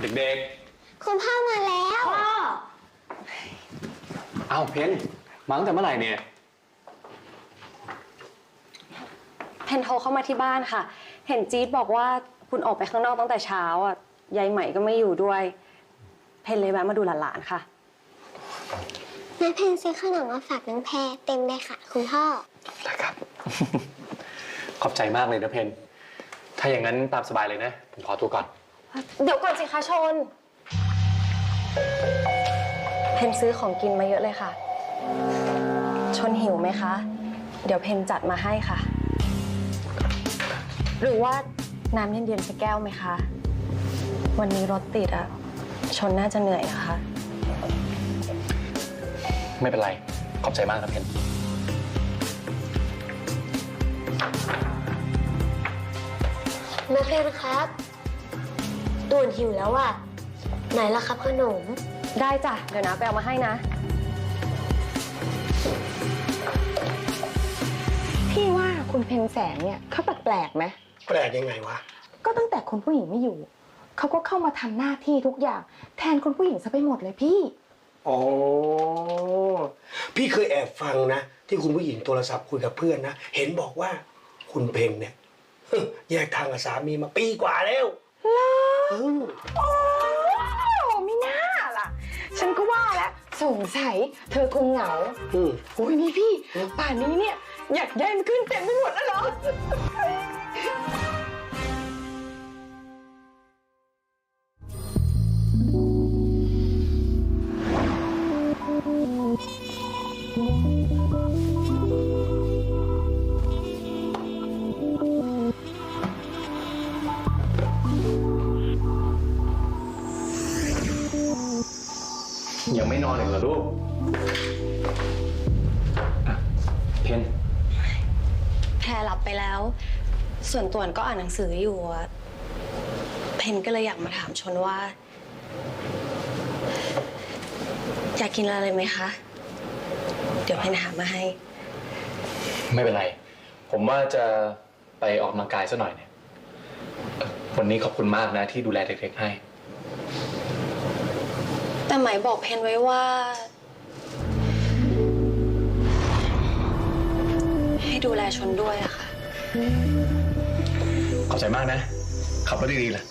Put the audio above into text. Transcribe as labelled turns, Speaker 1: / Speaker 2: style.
Speaker 1: เด็ก
Speaker 2: คุณพ่อมาแล้วพ่อ
Speaker 1: อ้าวเพนมาตั้งแต่เมื่อไหร่เนี่ย
Speaker 3: เพนโทรเข้ามาที่บ้านค่ะเห็นจี๊ดบอกว่าคุณออกไปข้างนอกตั้งแต่เช้าอ่ะยายใหม่ก็ไม่อยู่ด้วยเพนเลยแวะมาดูหลานๆค่ะ
Speaker 2: แม่เพนซื้อขนมมาฝากน้องแพรเต็มเลยค่ะคุณพ่อ
Speaker 1: นะครับ ขอบใจมากเลยนะเพนถ้าอย่างนั้นตามสบายเลยนะผมขอตัวก่อน
Speaker 3: เดี๋ยวก่อนสิคะชนเพนซื้อของกินมาเยอะเลยค่ะชนหิวไหมคะเดี๋ยวเพนจัดมาให้ค่ะหรือว่าน้ำเย็นๆสักแก้วไหมคะวันนี้รถติดอะชนน่าจะเหนื่อยนะคะ
Speaker 1: ไม่เป็นไรขอบใจมากนะเพน
Speaker 2: แม่เพนครับตูนหิวแล้วอ่ะไหนล่ะครับขนม
Speaker 3: ได้จ้ะเดี๋ยวนะไปเอามาให้นะ
Speaker 4: พี่ว่าคุณเพนแสงเนี่ยเขาแปลกๆไหม
Speaker 5: แปลกยังไงวะ
Speaker 4: ก็ตั้งแต่คุณผู้หญิงไม่อยู่เขาก็เข้ามาทำหน้าที่ทุกอย่างแทนคุณผู้หญิงซะไปหมดเลยพี่
Speaker 5: อ๋อพี่เคยแอบฟังนะที่คุณผู้หญิงโทรศัพท์คุยกับเพื่อนนะเห็นบอกว่าคุณเพนเนี่ยแยกทางกับสามีมาปีกว่าแล้ว
Speaker 4: โอ้ไม่น่าล่ะฉันก็ว่าแล้วสงสัยเธอคงเหงาโอ้ยนี่พี่ป่านนี้เนี่ยอยากได้มันขึ้นเต็มไปหมดแล้วเหรอ
Speaker 1: ยังไม่นอนอีกเหรอลูกเพน
Speaker 3: แพรหลับไปแล้วส่วนต่วนก็อ่านหนังสืออยู่เพนก็เลยอยากมาถามชนว่าอยากกินอะไรไหมคะเดี๋ยวเพนหามาให้
Speaker 1: ไม่เป็นไรผมว่าจะไปออกกำลังกายซะหน่อยเนี่ยวันนี้ขอบคุณมากนะที่ดูแลเด็กๆให้
Speaker 3: แต่หมายบอกเพนไว้ว่าให้ดูแลชนด้วยอะค่ะ
Speaker 1: ขอบใจมากนะขับรถดีๆล่ะ